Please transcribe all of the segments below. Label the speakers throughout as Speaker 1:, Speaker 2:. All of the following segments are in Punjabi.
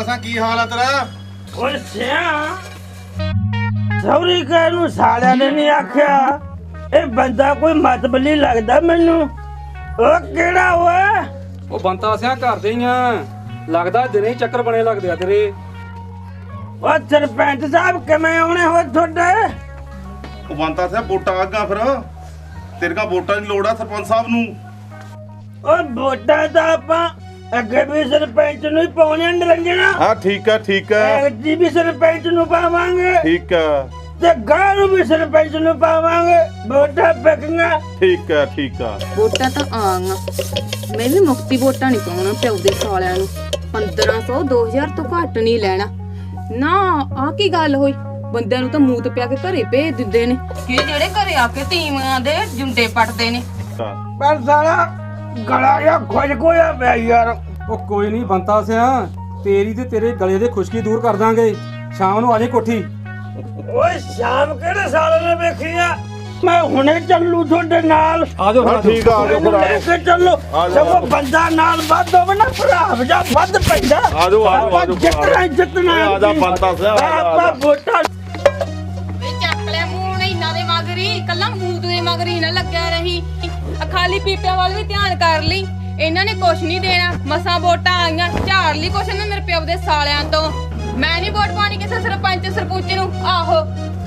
Speaker 1: सा की हाल है तेरा?
Speaker 2: ਓਏ ਸਿਆ ਸੌਰੀ ਕਹਿ ਨੂੰ ਸਾਲਿਆਂ ਨੇ ਨਹੀਂ ਆਖਿਆ ਇਹ ਬੰਦਾ ਕੋਈ ਮਤਬਲੀ ਲੱਗਦਾ ਮੈਨੂੰ। ਉਹ ਕਿਹੜਾ ਓਏ?
Speaker 3: ਉਹ ਬੰਤਾ ਸਿਆ ਘਰ ਦੇ ਹੀ ਆ, ਲੱਗਦਾ ਦਿਨੇ ਹੀ ਚੱਕਰ ਬਣੇ ਲੱਗਦੇ ਆ ਤੇਰੇ।
Speaker 2: ਉਹ ਸਰਪੰਚ ਸਾਹਿਬ ਕਿਵੇਂ ਆਉਣੇ ਹੋ ਤੁਹਾਡੇ?
Speaker 1: ਉਹ ਬੰਤਾ ਸਿਆ ਵੋਟਾਂ ਆਗਾ ਫਿਰ ਤੇਰੇ ਕਾ ਵੋਟਾਂ ਦੀ ਲੋੜ ਆ ਸਰਪੰਚ ਸਾਹਿਬ ਨੂੰ।
Speaker 2: ਉਹ ਵੋਟਾਂ ਤਾਂ ਆਪਾਂ ਅੱਗੇ ਵੀ ਸਰਪੰਚ ਨੂੰ ਹੀ ਪਾਉਣੇ ਨਿਰੰਜਣਾ।
Speaker 1: ਹਾਂ ਠੀਕ ਹੈ
Speaker 2: ਐਤਕੀ ਵੀ ਸਰਪੰਚ ਨੂੰ ਪਾਵਾਂਗੇ
Speaker 1: ਠੀਕ ਹੈ
Speaker 2: ਤੇ ਗਾਂ ਨੂੰ ਵੀ ਸਰਪੰਚ ਨੂੰ ਪਾਵਾਂਗੇ। ਵੋਟਾਂ ਪੱਕੀਆਂ।
Speaker 1: ਠੀਕ ਆ
Speaker 4: ਵੋਟਾਂ ਤਾਂ ਆਂਗਾ, ਮੈਂ ਵੀ ਮੁਫਤੀ ਵੋਟਾਂ ਨਹੀਂ ਪਾਉਣਾ ਪਿਓ ਦੇ ਸਾਲਿਆਂ ਨੂੰ। 1500 2000 ਤੋਂ ਘੱਟ ਨਹੀਂ ਲੈਣਾ ਨਾ। ਆਹ ਕੀ ਗੱਲ ਹੋਈ? ਬੰਦਿਆਂ ਨੂੰ ਤਾਂ ਮੂਤ ਪਿਆ ਕੇ ਘਰੇ ਭੇਜ ਦਿੰਦੇ ਨੇ ਕਿ ਜਿਹੜੇ ਘਰੇ ਆ ਕੇ ਤੀਵੀਆਂ ਦੇ ਜੁੰਡੇ ਪੱਟਦੇ ਨੇ।
Speaker 2: ਪਰ ਸਾਲਾ ਗਲਾ ਜਾਂ ਖੁਸ਼ ਕੋਇਆ ਪਿਆ ਯਾਰ।
Speaker 3: ਉਹ ਕੋਈ ਨਹੀਂ ਬੰਤਾ ਸਿਆ, ਤੇਰੀ ਤੇ ਤੇਰੇ ਗਲੇ ਦੇ ਖੁਸ਼ਕੀ ਦੂਰ ਕਰ ਦਾਂਗੇ। ਸ਼ਾਮ ਨੂੰ ਆ ਜਾਈਂ ਕੋਠੀ।
Speaker 2: ਓਏ ਸ਼ਾਮ ਕਿਹੜੇ ਸਾਲ ਨੇ ਵੇਖੀ ਆ? ਮੈਂ ਹੁਣੇ ਚੱਲੂ ਤੁਹਾਡੇ ਨਾਲ।
Speaker 3: ਆ ਜਾਓ
Speaker 1: ਹਾਂ ਠੀਕ ਆ ਜਾਓ ਫਿਰ ਆ
Speaker 2: ਲੈ ਕੇ ਚੱਲੋ। ਸਗੋਂ ਬੰਦਾ ਨਾਲ ਵੱਧ ਹੋਵੇ ਨਾ ਭਰਾ ਜਾਂ ਵੱਧ ਪੈਂਦਾ।
Speaker 1: ਆ ਜਾਓ
Speaker 2: ਜਿੱਤਣਾ
Speaker 1: ਆ ਜਾ ਬੰਤਾ ਸਿਆ
Speaker 2: ਆਪਾਂ ਵੋਟਾਂ
Speaker 4: ਵੇ ਚੱਕ ਲੈ ਮੂੰਹ ਨੇ ਇਹਨਾਂ ਦੇ ਮਗਰੀ, ਕੱਲਾ ਮੂਤ ਦੇ ਮਗਰੀ ਨਾ ਲੱਗਿਆ ਰਹੀ। ਖਾਲੀ ਪੀਪਿਆਂ ਵੱਲ ਵੀ ਧਿਆਨ ਕਰ ਲਈ। ਇਹਨਾਂ ਨੇ ਕੁਛ ਨਹੀਂ ਦੇਣਾ, ਮਸਾਂ ਵੋਟਾਂ ਆਈਆਂ, ਝਾੜ ਲਈ ਕੁਛ ਨਾ ਮੇਰੇ ਪਿਓ ਦੇ ਸਾਲਿਆਂ ਤੋਂ। ਮੈਂ ਨਹੀਂ ਵੋਟ ਪਾਣੀ ਕਿਸੇ ਸਰਪੰਚ ਸਰਪੰਚ ਨੂੰ। ਆਹੋ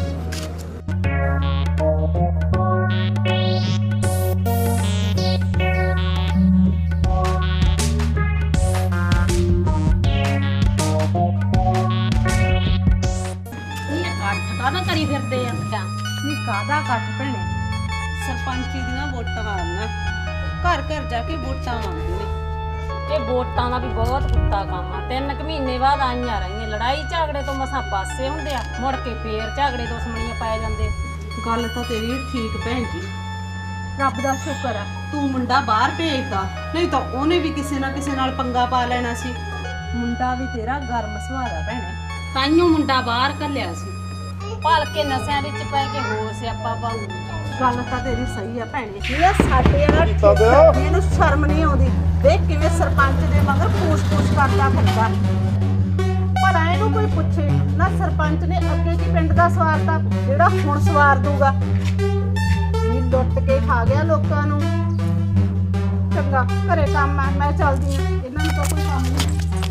Speaker 5: ਕਾਹਦਾ ਕਰੀ ਫਿਰਦੇ ਆ?
Speaker 4: ਨੀ ਕਾਹਦਾ ਕੱਟ ਭੈਣੇ, ਸਰਪੰਚੀ ਦੀਆਂ ਵੋਟਾਂ ਆਉਣਾ, ਘਰ ਘਰ ਜਾ ਕੇ ਵੋਟਾਂ ਮੰਗਦੇ ਨੇ।
Speaker 5: ਇਹ ਵੋਟਾਂ ਦਾ ਵੀ ਬਹੁਤ ਕੁੱਤਾ ਕੰਮ ਆ। 3 ਮਹੀਨੇ ਬਾਅਦ ਆਈਆਂ ਰਹੀਆਂ, ਲੜਾਈ ਝਗੜੇ ਤੋਂ ਮਸਾਂ ਪਾਸੇ ਹੁੰਦੇ ਆ, ਮੁੜ ਕੇ ਫੇਰ ਝਗੜੇ ਦੁਸ਼ਮਣੀਆਂ ਪੈ ਜਾਂਦੇ।
Speaker 4: ਗੱਲ ਤਾਂ ਤੇਰੀ ਠੀਕ ਭੈਣ ਜੀ, ਰੱਬ ਦਾ ਸ਼ੁਕਰ ਆ ਤੂੰ ਮੁੰਡਾ ਬਾਹਰ ਭੇਜਦਾ, ਨਹੀਂ ਤਾਂ ਉਹਨੇ ਵੀ ਕਿਸੇ ਨਾ ਕਿਸੇ ਨਾਲ ਪੰਗਾ ਪਾ ਲੈਣਾ ਸੀ। ਮੁੰਡਾ ਵੀ ਤੇਰਾ ਗਰਮ ਸੁਭਾਅ ਦਾ ਭੈਣੇ,
Speaker 5: ਤਾਈਓ ਮੁੰਡਾ ਬਾਹਰ ਘੱਲਿਆ ਸੀ। ਭਲ ਕੇ ਨਸ਼ਿਆਂ ਵਿੱਚ ਪੈ ਕੇ ਹੋਰ ਸਿਆਪਾ ਪਾਉ।
Speaker 4: ਗੱਲ ਤਾਂ ਤੇਰੀ ਸਹੀ ਆ ਭੈਣੇ। ਇਹ ਸਾਡੇ ਵਾਲਾ ਇਹਨੂੰ ਸ਼ਰਮ ਨਹੀਂ ਆਉਂਦੀ। ਦੇਖ ਕਿਵੇਂ ਸਰਪੰਚ ਦੇ ਮਗਰ ਪੂਛ-ਪੂਛ ਕਰਦਾ ਫਿਰਦਾ। ਪਰ ਇਹਨੂੰ ਕੋਈ ਪੁੱਛੇ ਨਾ, ਸਰਪੰਚ ਨੇ ਅੱਗੇ ਕੀ ਪਿੰਡ ਦਾ ਸਵਾਰਤਾ ਜਿਹੜਾ ਹੁਣ ਸਵਾਰ ਦੂਗਾ। ਇਹ ਲੁੱਟ ਕੇ ਖਾ ਗਿਆ ਲੋਕਾਂ ਨੂੰ। ਚੰਗਾ ਘਰੇ ਕੰਮ ਆ, ਮੈਂ ਚੱਲਦੀ ਆ, ਇਹਨਾਂ ਨੂੰ ਤਾਂ ਕੋਈ ਕੰਮ ਨਹੀਂ।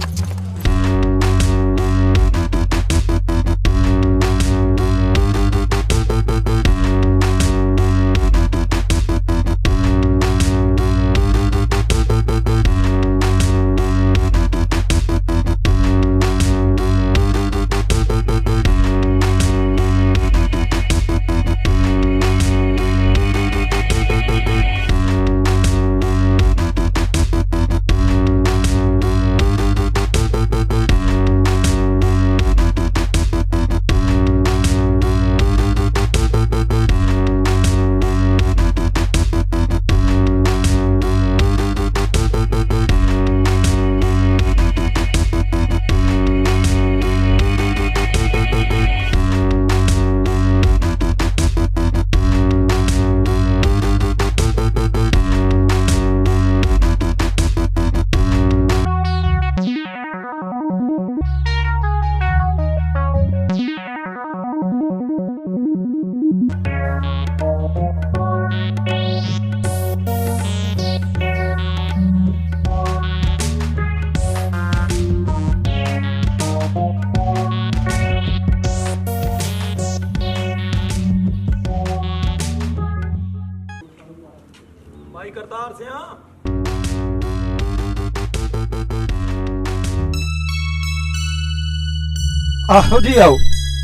Speaker 6: ਭਾਈ ਕਰਤਾਰ ਸਿਆ
Speaker 3: ਆਹੋ ਜੀ ਆਓ।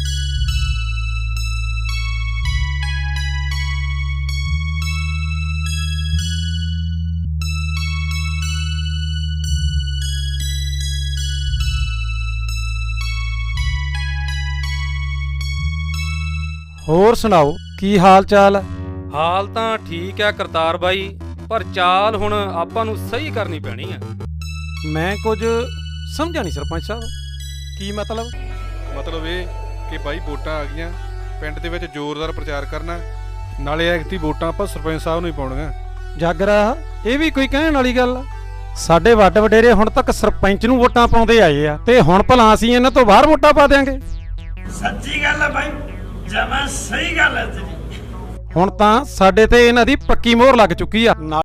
Speaker 3: ਹੋਰ ਸੁਣਾਓ ਕੀ ਹਾਲ ਚਾਲ? ਹਾਲ ਤਾਂ ਠੀਕ ਹੈ ਕਰਤਾਰ ਬਾਈ, ਪਰ ਚਾਲ ਹੁਣ ਆਪਾਂ ਨੂੰ ਸਹੀ ਕਰਨੀ ਪੈਣੀ ਆ। ਮੈਂ ਕੁਝ ਸਮਝਿਆ ਨਹੀਂ ਸਰਪੰਚ ਸਾਹਿਬ, ਕੀ ਮਤਲਬ?
Speaker 7: ਮਤਲਬ ਇਹ ਕਿ ਬਾਈ ਵੋਟਾਂ ਆ ਗਈਆਂ, ਪਿੰਡ ਦੇ ਵਿੱਚ ਜ਼ੋਰਦਾਰ ਪ੍ਰਚਾਰ ਕਰਨਾ, ਨਾਲੇ ਐਕਤੀ ਵੋਟਾਂ ਆਪਾਂ ਸਰਪੰਚ ਸਾਹਿਬ ਨੂੰ ਹੀ ਪਾਉਣੀਆਂ।
Speaker 3: ਜਾਗਰਾ ਇਹ ਵੀ ਕੋਈ ਕਹਿਣ ਵਾਲੀ ਗੱਲ? ਸਾਡੇ ਵੱਡ ਵਡੇਰੇ ਹੁਣ ਤੱਕ ਸਰਪੰਚ ਨੂੰ ਵੋਟਾਂ ਪਾਉਂਦੇ ਆਏ ਆ, ਤੇ ਹੁਣ ਭਲਾ ਅਸੀਂ ਇਹਨਾਂ ਤੋਂ ਬਾਹਰ ਵੋਟਾਂ ਪਾ ਦਿਆਂਗੇ?
Speaker 2: ਸੱਚੀ ਗੱਲ ਹੈ ਬਾਈ, ਜਮਾਂ ਸਹੀ ਗੱਲ ਹੈ ਤੇਰੀ।
Speaker 3: ਹੁਣ ਤਾਂ ਸਾਡੇ ਤੇ ਇਹਨਾਂ ਦੀ ਪੱਕੀ ਮੋਹਰ ਲੱਗ ਚੁੱਕੀ ਆ।